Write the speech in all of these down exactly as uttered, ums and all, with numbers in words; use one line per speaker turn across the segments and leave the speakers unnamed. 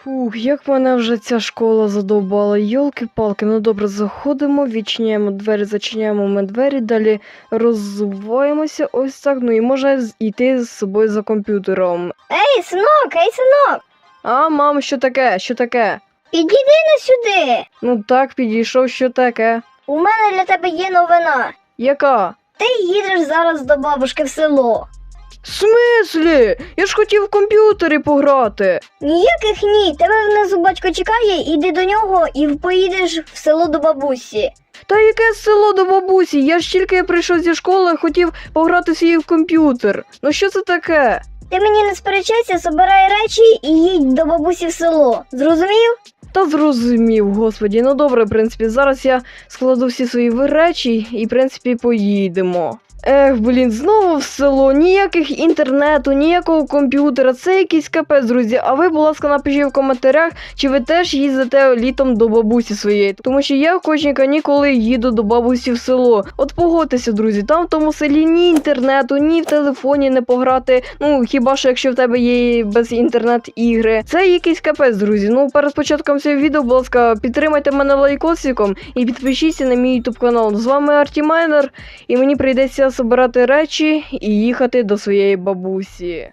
Фух, як мене вже ця школа задовбала. Йолки-палки, ну добре, заходимо, відчиняємо двері, зачиняємо ми двері, далі розвиваємося ось так, ну і можна йти з собою за комп'ютером.
Ей, синок, ей, синок,
А, мам, що таке? Що таке?
підійди на сюди.
Ну так, підійшов, що таке?
У мене для тебе є новина.
Яка?
Ти їдеш зараз до бабушки в село.
В смислі? Я ж хотів в комп'ютері пограти.
Ніяких ні, тебе внизу батько чекає, іди до нього і поїдеш в село до бабусі.
Та яке село до бабусі? Я ж тільки прийшов зі школи, хотів пограти свій в комп'ютер. Ну що це таке?
Ти мені не сперечайся, собирай речі і їдь до бабусі в село. Зрозумів?
Та зрозумів, господі. Ну добре, в принципі, зараз я складу всі свої речі і, в принципі, поїдемо. Ех, блін, знову в село, ніяких інтернету, ніякого комп'ютера, це якийсь капець, друзі. А ви, будь ласка, напишіть в коментарях, чи ви теж їздите літом до бабусі своєї. Тому що я в кожні канікули їду до бабусі в село. От погодьтеся, друзі, там в тому селі ні інтернету, ні в телефоні не пограти. Ну, хіба що якщо в тебе є без інтернет-ігри. Це якийсь капець, друзі. Ну, перед початком цього відео, будь ласка, підтримайте мене лайкосиком і підпишіться на мій ютуб канал. З вами Артімайнер, і мені прийдеться збирати речі і їхати до своєї бабусі.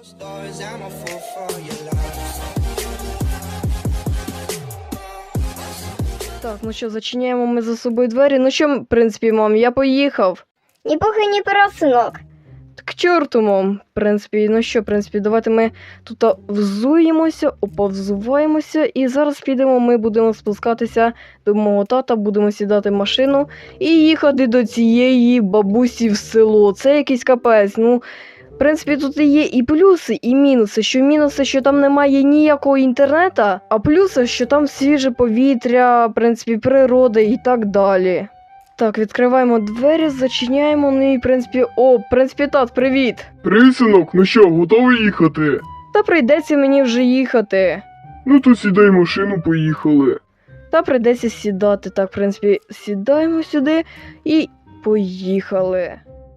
Так, ну що, зачиняємо ми за собою двері. Ну що, в принципі, мам, я поїхав.
Ні похи, ні пера, синок.
К чорту, мам. В принципі, ну що, в принципі, давайте ми тут взуємося, оповзуваємося, і зараз підемо, ми будемо спускатися до мого тата, будемо сідати в машину і їхати до цієї бабусі в село. Це якийсь капець, ну... В принципі, тут є і плюси, і мінуси. Що мінуси, що там немає ніякого інтернету, а плюси, що там свіже повітря, в принципі, природа і так далі. Так, відкриваємо двері, зачиняємо, ну і, в принципі, о, в принципі, тат, привіт!
Привіт, синок, ну що, готовий їхати?
Та прийдеться мені вже їхати.
Ну то сідай в машину, поїхали.
Та прийдеться сідати, так, в принципі, сідаємо сюди і поїхали.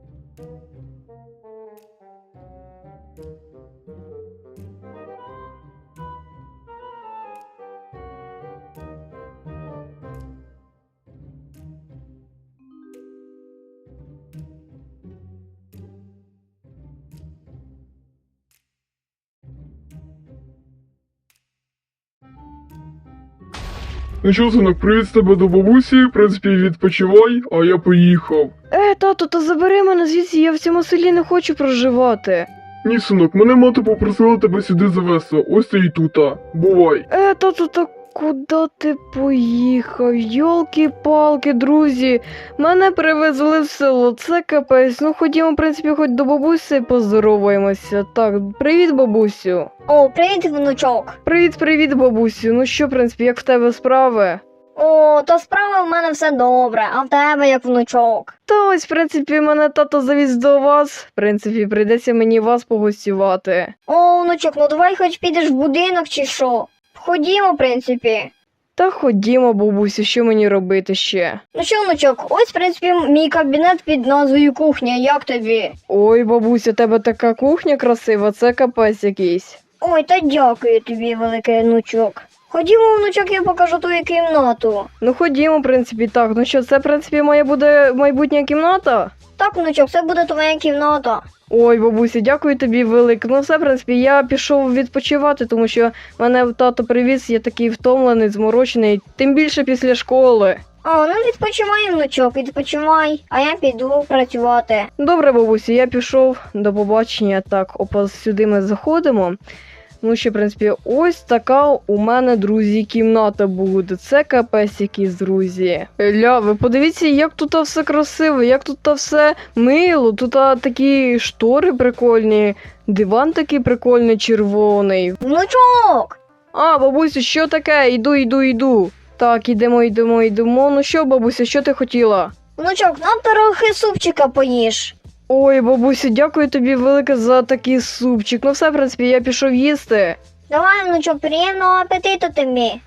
Ну що, синок, привіт з тебе до бабусі, в принципі, відпочивай, а я поїхав.
Е, тату, та забери мене звідси, я в цьому селі не хочу проживати.
Ні, синок, мене мати попросила тебе сюди завести, ось ти і тута. Бувай.
Е, тату, та куди ти поїхав? Йолки-палки, друзі, мене привезли в село, це капець. Ну ходімо, в принципі, хоч до бабусі поздороваємося. Так, привіт, бабусю.
О, привіт, внучок.
Привіт-привіт, бабусю. Ну що, в принципі, як в тебе справи?
О, то справа в мене все добре, а в тебе як внучок.
Та ось, в принципі, мене тато завіз до вас. В принципі, прийдеться мені вас погостювати.
О, внучок, ну давай хоч підеш в будинок чи що. Ходімо, в принципі.
Та ходімо, бабусю, що мені робити ще?
Ну що, внучок, ось, в принципі, мій кабінет під назвою кухня, як тобі?
Ой, бабуся, у тебе така кухня красива, це капець якийсь.
Ой, та дякую тобі, великий внучок. Ходімо, внучок, я покажу твою кімнату.
Ну ходімо, в принципі, так. Ну що, це, в принципі, моя буде майбутня кімната?
Так, внучок, це буде твоя кімната.
Ой, бабуся, дякую тобі велике. Ну все, в принципі, я пішов відпочивати, тому що мене тато привіз, я такий втомлений, зморочений, тим більше після школи.
О, ну відпочивай, внучок, відпочивай, а я піду працювати.
Добре, бабусю, я пішов, до побачення. Так, опа, сюди ми заходимо. Ну, ще, в принципі, ось така у мене, друзі, кімната буде. Це капець якийсь, друзі. Ля, ви подивіться, як тут все красиво, як тут все мило. Тут такі штори прикольні, диван такий прикольний, червоний.
Внучок!
А, бабусю, що таке? Йду, йду, йду. Так, ідемо, йдемо, йдемо. Ну що, бабуся, що ти хотіла?
Внучок, нам трохи супчика поїж.
Ой, бабусю, дякую тобі велике за такий супчик. Ну все, в принципі, я пішов їсти.
Давай, внучок, приємного апетиту тобі.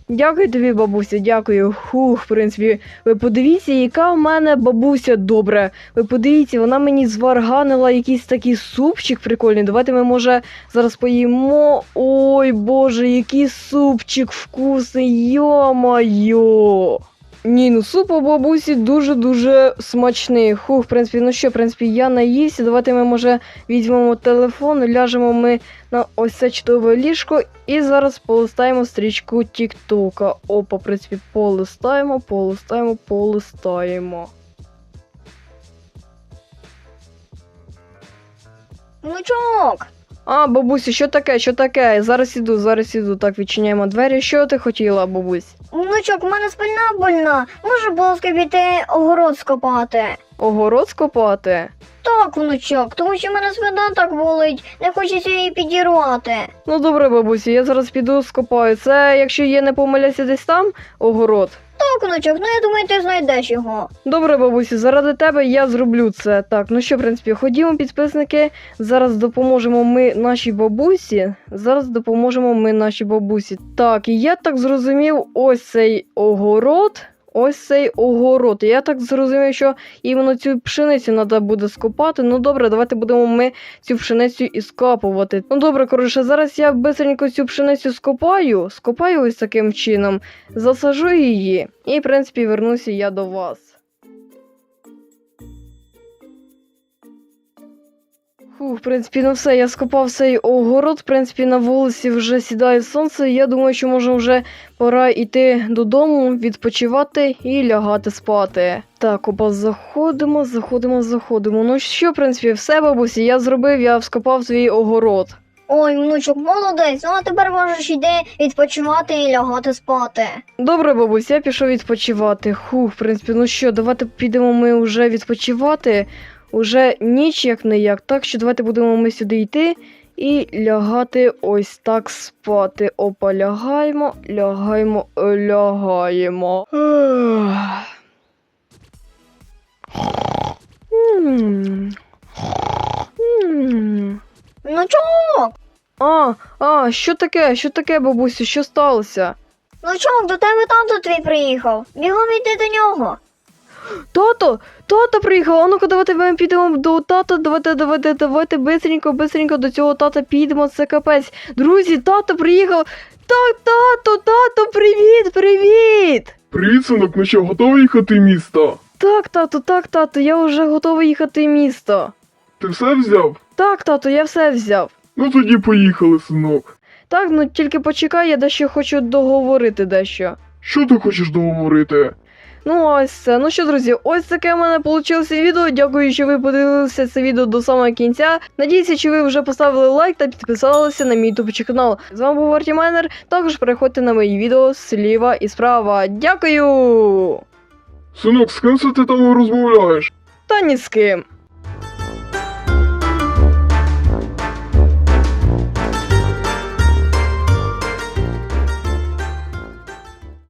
Дякую тобі, бабуся, дякую. Хух, в принципі, ви подивіться, яка в мене бабуся добра. Ви подивіться, вона мені зварганила якийсь такий супчик прикольний. Давайте ми, може, зараз поїмо. Ой, боже, який супчик вкусний, йо-моє. Ні, ну суп у бабусі дуже-дуже смачний. Хух, в принципі, ну що, в принципі, я наївся. Давайте ми, може, візьмемо телефон, ляжемо ми на ось це чудове ліжко і зараз полистаємо стрічку Тіктока. Опа, в принципі, полистаємо, полистаємо, полистаємо.
Внучок!
А, бабусі, що таке, що таке? Зараз іду, зараз іду. Так, відчиняємо двері. Що ти хотіла, бабусь?
Внучок, у мене спина больна. Може, будь ласка, піти огород скопати?
Огород скопати?
Так, внучок, тому що в мене спина так болить, не хочеться її підірвати.
Ну добре, бабусі, я зараз піду скопаю. Це, якщо я не помиляюся, десь там огород?
Так, внучок, ну я думаю, ти знайдеш його.
Добре, бабусі, заради тебе я зроблю це. Так, ну що, в принципі, ходімо, підписники. Зараз допоможемо ми нашій бабусі. Зараз допоможемо ми нашій бабусі. Так, і я так зрозумів, ось цей огород. Ось цей огород. Я так зрозумів, що іменно цю пшеницю треба буде скопати. Ну добре, давайте будемо ми цю пшеницю і скапувати. Ну добре, коротше, зараз я бистренько цю пшеницю скопаю. Скопаю ось таким чином. Засажу її. І, в принципі, вернуся я до вас. Фу, в принципі, ну все, я скопав цей огород, в принципі, на вулиці вже сідає сонце, я думаю, що може вже пора йти додому, відпочивати і лягати спати. Так, опа, заходимо, заходимо, заходимо. Ну що, в принципі, все, бабусі, я зробив, я скопав свій огород.
Ой, внучок, молодець, ну а тепер можеш йти відпочивати і лягати спати.
Добре, бабусь, я пішов відпочивати. Хух, в принципі, ну що, давайте підемо ми вже відпочивати. Уже ніч як не як, так що давайте будемо ми сюди йти і лягати ось так спати. Опа, лягаємо, лягаємо, лягаємо. М. М.
Внучок,
А, а, що таке, що таке, бабусю, що сталося?
внучок, до тебе тато твій приїхав. Бігом йди до нього.
Тато, тато приїхав, а ну-ка давайте ми підемо до тата, давайте, давайте, давайте бистренько, бистренько до цього тата підемо, це капець. Друзі, тато приїхав, так, тато, тато, привіт, привіт!
Привіт, синок, ну що, готовий їхати в місто?
Так, тато, так, тато, я вже готовий їхати в місто.
Ти все взяв?
Так, тато, я все взяв.
Ну тоді поїхали, синок.
Так, ну тільки почекай, я дещо хочу договорити дещо.
Що ти хочеш договорити?
Ну ось це. Ну що, друзі, ось таке в мене вийшло відео. Дякую, що ви подивилися це відео до самого кінця. Надіюся, що ви вже поставили лайк та підписалися на мій тупичий канал. З вами був Арті Майнер. Також переходьте на мої відео зліва і справа. Дякую!
Синок, з ким це ти там розмовляєш?
Та ні з ким.